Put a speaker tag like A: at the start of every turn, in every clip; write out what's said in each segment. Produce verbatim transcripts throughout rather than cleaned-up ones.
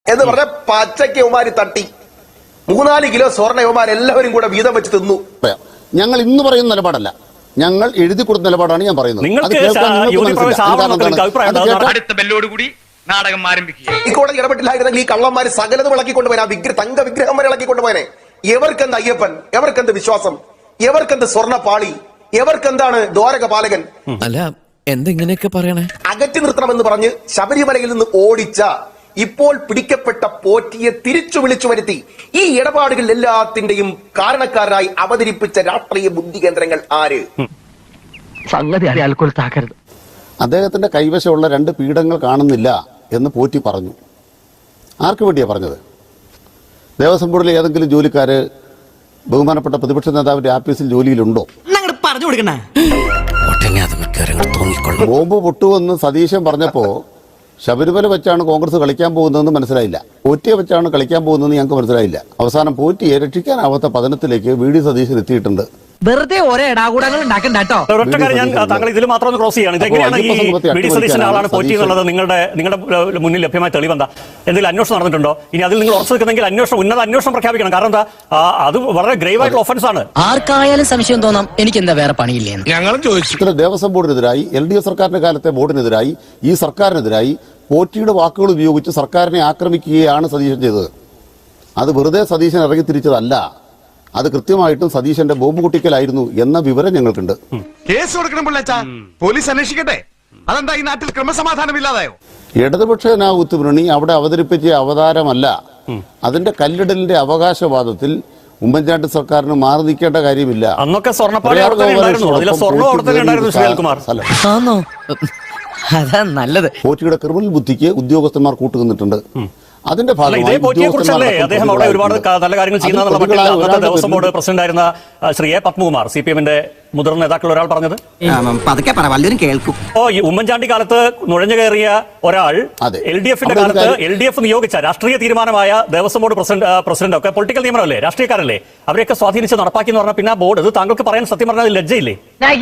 A: എന്ന് പറഞ്ഞ പച്ചയ്ക്ക് യവമാര് തട്ടി മൂന്നാല് കിലോ സ്വർണ്ണ യവമാർ എല്ലാവരും കൂടെ വീതം വെച്ച് തിന്നു.
B: ഞങ്ങൾ ഇന്ന് പറയുന്ന നിലപാടല്ല, ഞങ്ങൾ എഴുതി കൊടുത്ത നിലപാടാണ് ഞാൻ പറയുന്നത്.
A: ഈ കോടതി ഇടപെട്ടില്ലായിരുന്നെങ്കിൽ ഈ കള്ളന്മാര് സകലത് വിളക്കിക്കൊണ്ടുപോയാ വിഗ്രഹ തങ്ക വിഗ്രഹം വരെ ഇളക്കിക്കൊണ്ടുപോയനെ. എവർക്കെന്ത് അയ്യപ്പൻ, എവർക്കെന്ത് വിശ്വാസം, എവർക്കെന്ത് സ്വർണ്ണ പാളി, എവർക്കെന്താണ് ദ്വാരക പാലകൻ?
C: അല്ല എന്തെങ്ങനെയൊക്കെ പറയണേ.
A: അകറ്റി നിർത്തണമെന്ന് പറഞ്ഞ് ശബരിമലയിൽ നിന്ന് ഓടിച്ച ഇപ്പോൾ പിടിക്കപ്പെട്ട പോറ്റിയെ തിരിച്ചു വിളിച്ചു വരുത്തി ഈ ഇടപാടുകൾ എല്ലാത്തിന്റെയും കാരണക്കാരായി അവതരിപ്പിച്ച രാഷ്ട്രീയ ബുദ്ധി കേന്ദ്രങ്ങൾ ആര്?
D: സംഗതി അറിയാൽക്കൊരുത്താക്കരുത്.
B: അദ്ദേഹത്തിന്റെ കൈവശമുള്ള രണ്ട് പീഠങ്ങൾ കാണുന്നില്ല എന്ന് പോറ്റി പറഞ്ഞു. ആർക്ക് വേണ്ടിയാ പറഞ്ഞത്? ദേവസ്വം ബോർഡിലെ ഏതെങ്കിലും ജോലിക്കാര് ബഹുമാനപ്പെട്ട പ്രതിപക്ഷ നേതാവിന്റെ ആഫീസിൽ ജോലിയിലുണ്ടോ?
D: പറഞ്ഞു കൊടുക്കണേ.
B: ബോംബ് പൊട്ടുവെന്ന് സതീശൻ പറഞ്ഞപ്പോ ശബരിമല വെച്ചാണ് കോൺഗ്രസ് കളിക്കാൻ പോകുന്നതെന്ന് മനസ്സിലായില്ല, പോറ്റിയെ വെച്ചാണ് കളിക്കാൻ പോകുന്നതെന്ന് ഞങ്ങൾക്ക് മനസ്സിലായില്ല. അവസാനം പോറ്റിയെ രക്ഷിക്കാനാവാത്ത പതനത്തിലേക്ക് വി ഡി സതീശൻ എത്തിയിട്ടുണ്ട്.
D: വെറുതെ ഒരേ ഇടാകൂടങ്ങൾ ഉണ്ടാക്കണ്ടോ.
E: ഒരൊറ്റ കാര്യം ഞാൻ താങ്കൾ ഇതിൽ മാത്രം ഒന്ന് ക്രോസ് ചെയ്യാണ്. ഇതെങ്ങനെയാണ് ഈ വി ഡി സതീശന്റെ ആളാണ് പോറ്റി എന്നുള്ളത് നിങ്ങളുടെ നിങ്ങളുടെ മുന്നിൽ ലഭ്യമായ തെളിവെന്താ? എന്തെങ്കിലും അന്വേഷണം നടന്നിട്ടുണ്ടോ? ഇനി അതിൽ നിങ്ങൾ ഉറച്ചു നിൽക്കുന്നെങ്കിൽ അന്വേഷണം ഉന്നത അന്വേഷണം പ്രഖ്യാപിക്കണം. കാരണം എന്താ, അത് വളരെ ഗ്രേവ് ആയിട്ടുള്ള ഒഫൻസ് ആണ്.
F: ആർക്കായാലും സംശയം തോന്നാം, എനിക്ക് എന്താ വേറെ പണിയില്ലേ?
B: ഞങ്ങളും ചോദിച്ചു. ദേവസ്വം ബോർഡിനെതിരായി, എൽ ഡി എഫ് സർക്കാരിന്റെ കാലത്തെ ബോർഡിനെതിരായി, ഈ സർക്കാരിനെതിരായി പോറ്റിയുടെ വാക്കുകൾ ഉപയോഗിച്ച് സർക്കാരിനെ ആക്രമിക്കുകയാണ് സതീശൻ ചെയ്തത്. അത് വെറുതെ സതീശൻ ഇറങ്ങി തിരിച്ചതല്ല, അത് കൃത്യമായിട്ടും സതീശന്റെ ബോംബ് പൊട്ടിക്കലായിരുന്നു എന്ന വിവരം ഞങ്ങൾക്കുണ്ട്.
G: കേസ് കൊടുക്കണം പിള്ളേച്ചാ, പോലീസ് അന്വേഷിക്കട്ടെ. അതെന്താ ഈ നാട്ടിൽ ക്രമസമാധാനം ഇല്ലാതായോ?
B: ഇടതുപക്ഷ ജനാധിപത്യ മുന്നണി അവിടെ അവതരിപ്പിച്ച അവതാരമല്ല. അതിന്റെ കല്ലിടലിന്റെ അവകാശവാദത്തിൽ ഉമ്മൻചാണ്ടി സർക്കാരിന് മാറി നിൽക്കേണ്ട കാര്യമില്ല.
E: അന്നൊക്കെ സ്വർണ്ണപ്പാളി
F: അതാ നല്ലത്.
B: പോറ്റിയുടെ ക്രിമിനൽ ബുദ്ധിക്ക് ഉദ്യോഗസ്ഥന്മാർ കൂട്ടുനിന്നിട്ടുണ്ട്. അതിന്റെ ഭാഗമായി
E: അദ്ദേഹം അവിടെ ഒരുപാട് നല്ല കാര്യങ്ങൾ ചെയ്യുന്ന ദേവസ്വം ബോർഡ് പ്രസിഡന്റായിരുന്ന Shri A Padmakumar, C P എമ്മിന്റെ മുതിർന്ന നേതാക്കൾ ഒരാൾ പറഞ്ഞത്
F: കേൾക്കും.
E: ഓ ഈ ഉമ്മൻചാണ്ടി കാലത്ത് നുഴഞ്ഞു കയറിയ ഒരാൾ എൽ ഡി എഫിന്റെ കാലത്ത് എൽ ഡി എഫ് നിയോഗിച്ച രാഷ്ട്രീയ തീരുമാനമായ ദേവസ്വം ബോർഡ് പ്രസിഡന്റ് പ്രസിഡന്റ് ഒക്കെ പൊളിറ്റിക്കൽ നിയമനമല്ലേ, രാഷ്ട്രീയക്കാരല്ലേ, അവരെയൊക്കെ സ്വാധീനിച്ച് നടപ്പാക്കി എന്ന് പറഞ്ഞാൽ പിന്നെ ആ ബോർഡ് ഇത് താങ്കൾക്ക് പറയാൻ സത്യം പറഞ്ഞാൽ ലജ്ജയില്ലേ?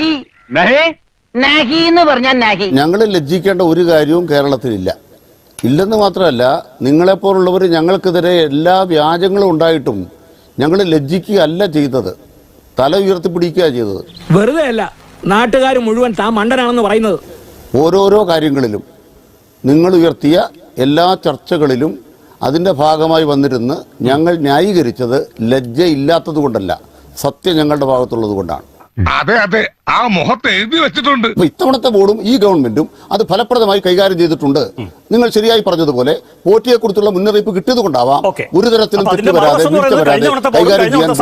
B: ഞങ്ങൾ ലജ്ജിക്കേണ്ട ഒരു കാര്യവും കേരളത്തിലില്ല. ഇല്ലെന്ന് മാത്രമല്ല, നിങ്ങളെപ്പോലുള്ളവർ ഞങ്ങൾക്കെതിരെ എല്ലാ വ്യാജങ്ങളും ഉണ്ടായിട്ടും ഞങ്ങൾ ലജ്ജിക്കുകയല്ല ചെയ്തത്, തല ഉയർത്തിപ്പിടിക്കുക ചെയ്തത്.
D: വെറുതെ അല്ല നാട്ടുകാർ മുഴുവൻ താൻ മണ്ടനാണെന്ന് പറയുന്നത്.
B: ഓരോരോ കാര്യങ്ങളിലും നിങ്ങൾ ഉയർത്തിയ എല്ലാ ചർച്ചകളിലും അതിന്റെ ഭാഗമായി വന്നിരുന്ന് ഞങ്ങൾ ന്യായീകരിച്ചത് ലജ്ജ ഇല്ലാത്തത് കൊണ്ടല്ല, സത്യം ഞങ്ങളുടെ ഭാഗത്തുള്ളത് കൊണ്ടാണ്.
G: അതെ അതെ, ആ മുഖത്ത് എഴുതി വെച്ചിട്ടുണ്ട്.
B: ഇത്തവണത്തെ ബോർഡും ഈ ഗവൺമെന്റും അത് ഫലപ്രദമായി കൈകാര്യം ചെയ്തിട്ടുണ്ട്. നിങ്ങൾ ശരിയായി പറഞ്ഞതുപോലെ പോറ്റിയെ കുറിച്ചുള്ള മുന്നറിയിപ്പ് കിട്ടിയത് കൊണ്ടാവാം ഒരു തരത്തിലും തെറ്റ് വരാതെ കൈകാര്യം ചെയ്യാൻ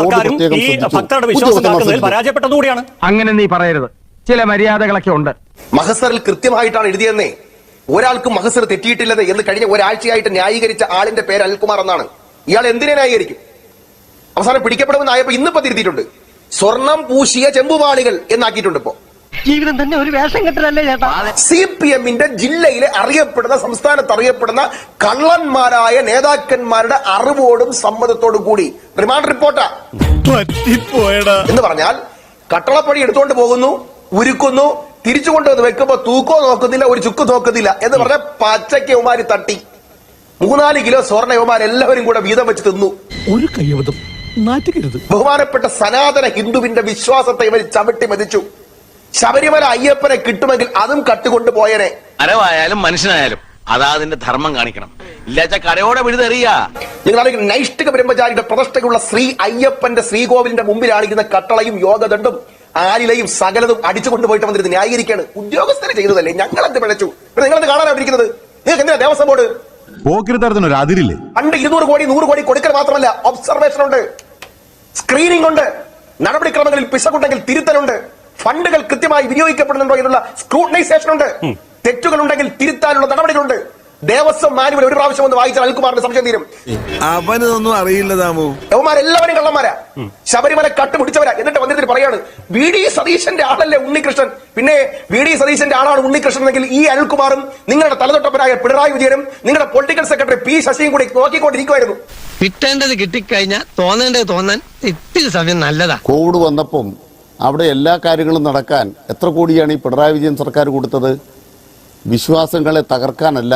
B: ബോർഡ്
E: പരാജയപ്പെട്ടതുകൂടിയാണ്.
D: അങ്ങനെ നീ പറയരുത്, ചില മര്യാദകളൊക്കെ ഉണ്ട്.
A: മഹസറിൽ കൃത്യമായിട്ടാണ് എഴുതിയെന്നേ. ഒരാൾക്ക് മഹസർ തെറ്റിയിട്ടില്ലെന്ന് എന്ന് കഴിഞ്ഞ ഒരാഴ്ചയായിട്ട് ന്യായീകരിച്ച ആളിന്റെ പേര് അനിൽകുമാർ എന്നാണ്. ഇയാൾ എന്തിനെ ന്യായീകരിക്കും? അവസാനം പിടിക്കപ്പെടുമെന്നായപ്പോ ഇന്നിപ്പോ തിരുത്തിയിട്ടുണ്ട്. സ്വർണം പൂശിയ ചെമ്പുപാളികൾ എന്നാക്കിയിട്ടുണ്ട്. ഇപ്പോ
D: ജീവിതം തന്നെ ഒരു വേഷം കെട്ടലല്ലേ ചേട്ടാ.
A: സി പി എമ്മിന്റെ ജില്ലയിലെ അറിയപ്പെടുന്ന, സംസ്ഥാനത്ത് അറിയപ്പെടുന്ന കള്ളന്മാരായ നേതാക്കന്മാരുടെ അറിവോടും സമ്മതത്തോടും കൂടി റിമാൻഡ് റിപ്പോർട്ടാ എന്ന് പറഞ്ഞാൽ കട്ടളപ്പടി എടുത്തുകൊണ്ട് പോകുന്നു, ഉരുക്കുന്നു, തിരിച്ചു കൊണ്ടുവന്ന് വെക്കുമ്പോ തൂക്കോ നോക്കുന്നില്ല, ഒരു ചുക്ക് നോക്കുന്നില്ല എന്ന് പറഞ്ഞ പച്ചയ്ക്ക് യവമാര് തട്ടി മൂന്നാല് കിലോ സ്വർണ്ണ യവമാർ എല്ലാവരും കൂടെ വീതം വെച്ച് തിന്നു.
D: ഒരു കയ്യബദ്ധം നാറ്റുകരുത്.
A: ബഹുമാനപ്പെട്ട സനാതന ഹിന്ദുവിന്റെ വിശ്വാസത്തെ ഇവർ ചവിട്ടി മതിച്ചു. ശബരിമല അയ്യപ്പനെ കിട്ടുമെങ്കിൽ അതും കട്ടുകൊണ്ട് പോയനെ.
H: അരവായാലും മനുഷ്യനായാലും അതാ അതിന്റെ ധർമ്മം കാണിക്കണം, ഇല്ലാച്ച കടയോടെ വിഴുതെറിയാ.
A: നിങ്ങളാണെങ്കിൽ നൈഷ്ഠിക ബ്രഹ്മചാരിയുടെ പ്രതിഷ്ഠയ്ക്കുള്ള ശ്രീ അയ്യപ്പന്റെ ശ്രീകോവിലിന്റെ മുമ്പിലാണിരിക്കുന്ന കട്ടളയും യോഗദണ്ഡും ആലിലയും സകലതും അടിച്ചു കൊണ്ടുപോയിട്ട് വന്നിരുന്നത് ന്യായീകരിക്കാണ്. ഉദ്യോഗസ്ഥരെ ചെയ്തതല്ലേ, ഞങ്ങളെന്ത് പിഴച്ചു? നിങ്ങളെന്ത് കാണാനായിരിക്കുന്നത്? നിങ്ങൾക്ക് എന്തിനാ ദേവസ്വം ബോർഡ്?
G: അതിരില്ലേ?
A: പണ്ട് ഇരുന്നൂറ് കോടി നൂറ് കോടി കൊടുക്കൽ മാത്രമല്ല, ഒബ്സർവേഷൻ ഉണ്ട്, സ്ക്രീനിംഗ് ഉണ്ട്, നടപടിക്രമങ്ങളിൽ പിശകുണ്ടെങ്കിൽ തിരുത്തലുണ്ട്, ഫണ്ടുകൾ കൃത്യമായി വിനിയോഗിക്കപ്പെടുന്നുണ്ടോ എന്നുള്ള സ്ക്രൂട്ടനൈസേഷൻ ഉണ്ട്, തെറ്റുകൾ ഉണ്ടെങ്കിൽ തിരുത്താനുള്ള നടപടികളുണ്ട്. ദേവസ്വം മാനുവൽ ഒരു പ്രാവശ്യം ഒന്ന് വായിച്ചാൽ അനിൽകുമാറിന്റെ സംശയം തീരും.
G: അവനൊന്നും അറിയില്ല താമോ.
A: യവന്മാരെല്ലാവരും കള്ളന്മാരാ, ശബരിമല കട്ടുപിടിച്ചവരാ. എന്നിട്ട് വന്നിട്ട് പറയാണ് വി ഡി സതീശന്റെ ആളല്ലേ ഉണ്ണികൃഷ്ണൻ. പിന്നെ വി ഡി സതീശന്റെ ആളാണ് ഉണ്ണികൃഷ്ണൻ എങ്കിൽ ഈ അനിൽകുമാറും നിങ്ങളുടെ തലതൊട്ടപ്പനായ പിണറായി വിജയനും നിങ്ങളുടെ പൊളിറ്റിക്കൽ സെക്രട്ടറി പി ശശിയും കൂടി നോക്കിക്കൊണ്ടിരിക്കുമായിരുന്നു.
F: കിട്ടേണ്ടത് കിട്ടിക്കഴിഞ്ഞാൽ തോന്നേണ്ടത് തോന്നാൻ ഇത്തിരി സമയം നല്ലതാ.
B: കോവിഡ് വന്നപ്പം അവിടെ എല്ലാ കാര്യങ്ങളും നടക്കാൻ എത്ര കോടിയാണ് ഈ പിണറായി വിജയൻ സർക്കാർ കൊടുത്തത്? വിശ്വാസങ്ങളെ തകർക്കാനല്ല,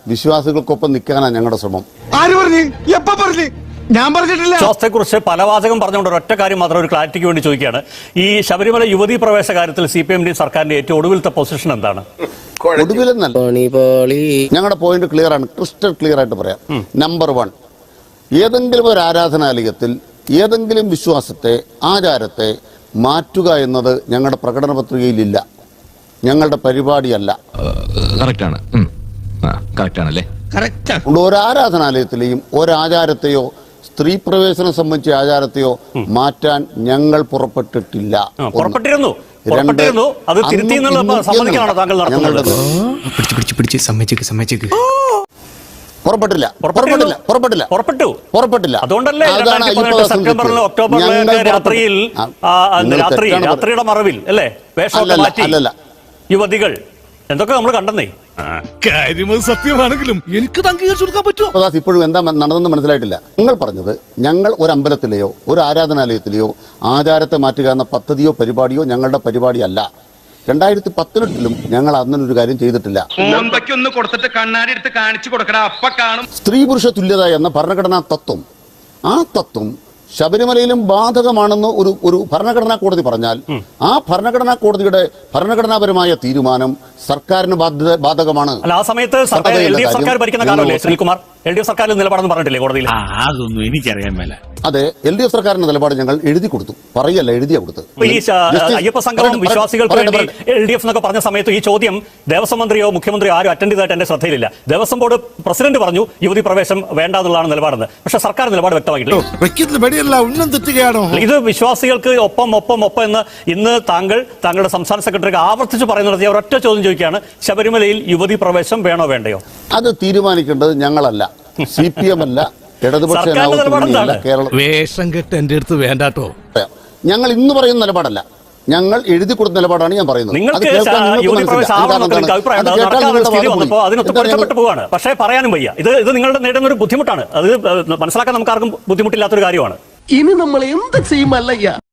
B: വിശ്വാസികൾക്കൊപ്പം നിൽക്കാനാണ് ഞങ്ങളുടെ ശ്രമം.
G: ആര് പറഞ്ഞു? എപ്പ പറഞ്ഞു? ഞാൻ പറഞ്ഞിട്ടില്ല.
E: വിശ്വാസത്തെ കുറിച്ച് പല വാചകം പറഞ്ഞുകൊണ്ട് ഒരൊറ്റ കാര്യം മാത്രം ഒരു ക്ലാരിറ്റിക്ക് വേണ്ടി ചോദിക്കുകയാണ്. ഈ ശബരിമല യുവതീ പ്രവേശ കാര്യത്തിൽ സി പി എമ്മിന്റെയും സർക്കാരിന്റെ ഏറ്റവും ഒടുവിലത്തെ പൊസിഷൻ എന്താണ്?
B: ഒടുവിലെന്നല്ല, ഞങ്ങളുടെ പോയിന്റ് ക്ലിയർ ആണ്, ക്രിസ്റ്റൽ ക്ലിയർ ആയിട്ട് പറയാം. നമ്പർ വൺ, ഏതെങ്കിലും ഒരു ആരാധനാലയത്തിൽ ഏതെങ്കിലും വിശ്വാസത്തെ, ആചാരത്തെ മാറ്റുക എന്നത് ഞങ്ങളുടെ പ്രകടന പത്രികയിലില്ല, ഞങ്ങളുടെ പരിപാടിയല്ല.
I: കറക്റ്റാണ്, കറക്റ്റാണല്ലേ?
F: കറക്റ്റാ.
B: ഒരു ആരാധനാലയത്തിലെയും ഒരാചാരത്തെയോ സ്ത്രീ പ്രവേശനം സംബന്ധിച്ച ആചാരത്തെയോ മാറ്റാൻ ഞങ്ങൾ പുറപ്പെട്ടിട്ടില്ല.
E: പുറപ്പെട്ടിരുന്നു പുറപ്പെട്ടിരുന്നു അത് തിരുത്തി എന്നുള്ള സമ്മതിക്കാണോ താങ്കൾ നടത്തുന്നത്?
B: പുറപ്പെട്ടില്ല പുറപ്പെട്ടില്ല പുറപ്പെട്ടില്ല
E: പുറപ്പെട്ടു
B: പുറപ്പെട്ടില്ല
E: അതുകൊണ്ടല്ലേ സെപ്റ്റംബറിലും ഒക്ടോബറിലും രാത്രിയിൽ രാത്രി രാത്രിയുടെ മറവിൽ അല്ലേ വേഷമൊക്കെ മാറ്റി യുവതികൾ എന്തൊക്കെ നമ്മൾ കണ്ടെന്നേ.
G: കാര്യമത് സത്യമാണെങ്കിലും എനിക്ക് അംഗീകരിച്ചു കൊടുക്കാൻ പറ്റുമോ?
B: ഇപ്പോഴും എന്താ നടന്നെന്ന് മനസ്സിലായിട്ടില്ല. നിങ്ങൾ പറഞ്ഞത് ഞങ്ങൾ ഒരു അമ്പലത്തിലെയോ ഒരു ആരാധനാലയത്തിലെയോ ആചാരത്തെ മാറ്റുക എന്ന പദ്ധതിയോ പരിപാടിയോ ഞങ്ങളുടെ പരിപാടിയല്ല. രണ്ടായിരത്തി പതിനെട്ടിലും ഞങ്ങൾ അന്നൊരു കാര്യം ചെയ്തിട്ടില്ല.
G: കൊടുത്തിട്ട് കണ്ണാടി എടുത്ത് കാണിച്ചു കൊടുക്കണ അപ്പ കാണും.
B: സ്ത്രീ പുരുഷ തുല്യത എന്ന ഭരണഘടനാ തത്വം, ആ തത്വം ശബരിമലയിലും ബാധകമാണെന്ന് ഒരു ഒരു ഭരണഘടനാ കോടതി പറഞ്ഞാൽ ആ ഭരണഘടനാ കോടതിയുടെ ഭരണഘടനാപരമായ തീരുമാനം സർക്കാരിന് ബാധകമാണ്.
E: ആ സമയത്ത് എൽ ഡി എഫ് സർക്കാർ ഭരിക്കുന്ന കാലമല്ലേ ശ്രീകുമാർ? എൽ ഡി എഫ് സർക്കാരിൽ നിലപാടെന്ന് പറഞ്ഞിട്ടില്ലേ കോടതിയിൽ?
I: അതൊന്നും എനിക്കറിയാൻ മേല.
B: അതെ, എൽ ഡി എഫ് സർക്കാരിന്റെ നിലപാട് ഞങ്ങൾ എഴുതി കൊടുത്തു, പറയല്ല എഴുതിയാ കൊടുത്തു.
E: ഈ അയ്യപ്പ സംഘവും വിശ്വാസികൾക്ക് വേണ്ടി എൽ ഡി എഫ് എന്നൊക്കെ പറഞ്ഞ സമയത്ത് ഈ ചോദ്യം ദേവസ്വം മന്ത്രിയോ മുഖ്യമന്ത്രിയോ ആരും അറ്റൻഡ് ചെയ്തതായിട്ട് എന്റെ ശ്രദ്ധയിലില്ല. ദേവസ്വം ബോർഡ് പ്രസിഡന്റ് പറഞ്ഞു യുവതി പ്രവേശം വേണ്ട എന്നുള്ളതാണ് നിലപാടെന്ന്. പക്ഷേ സർക്കാർ നിലപാട് വ്യക്തമാക്കിയിട്ടില്ല. ഇത് വിശ്വാസികൾക്ക് ഒപ്പം ഒപ്പം ഒപ്പം എന്ന് ഇന്ന് താങ്കൾ താങ്കളുടെ സംസ്ഥാന സെക്രട്ടറിക്ക് ആവർത്തിച്ച് പറയുന്നത് ഒരൊറ്റ ചോദ്യം ചോദിക്കുകയാണ്, ശബരിമലയിൽ യുവതി പ്രവേശം വേണോ വേണ്ടയോ?
B: അത് തീരുമാനിക്കേണ്ടത് ഞങ്ങളല്ല, സി പി എം അല്ല, ഇടതുപക്ഷ
G: വേഷം കെട്ട് എന്റെ അടുത്ത് വേണ്ടാട്ടോ.
B: ഞങ്ങൾ ഇന്ന് പറയുന്ന നിലപാടല്ല, ഞങ്ങൾ എഴുതി കൊടുത്ത നിലപാടാണ് ഞാൻ പറയുന്നത്.
E: നിങ്ങൾക്ക് അതിനൊത്ത് പോവാണ്, പക്ഷേ പറയാനും വയ്യ. ഇത് ഇത് നിങ്ങളുടെ നേടുന്ന ഒരു ബുദ്ധിമുട്ടാണ്. അത് മനസ്സിലാക്കാൻ നമുക്ക് ആർക്കും ബുദ്ധിമുട്ടില്ലാത്തൊരു കാര്യമാണ്.
F: ഇനി നമ്മൾ എന്ത് ചെയ്യുമല്ലയ്യ?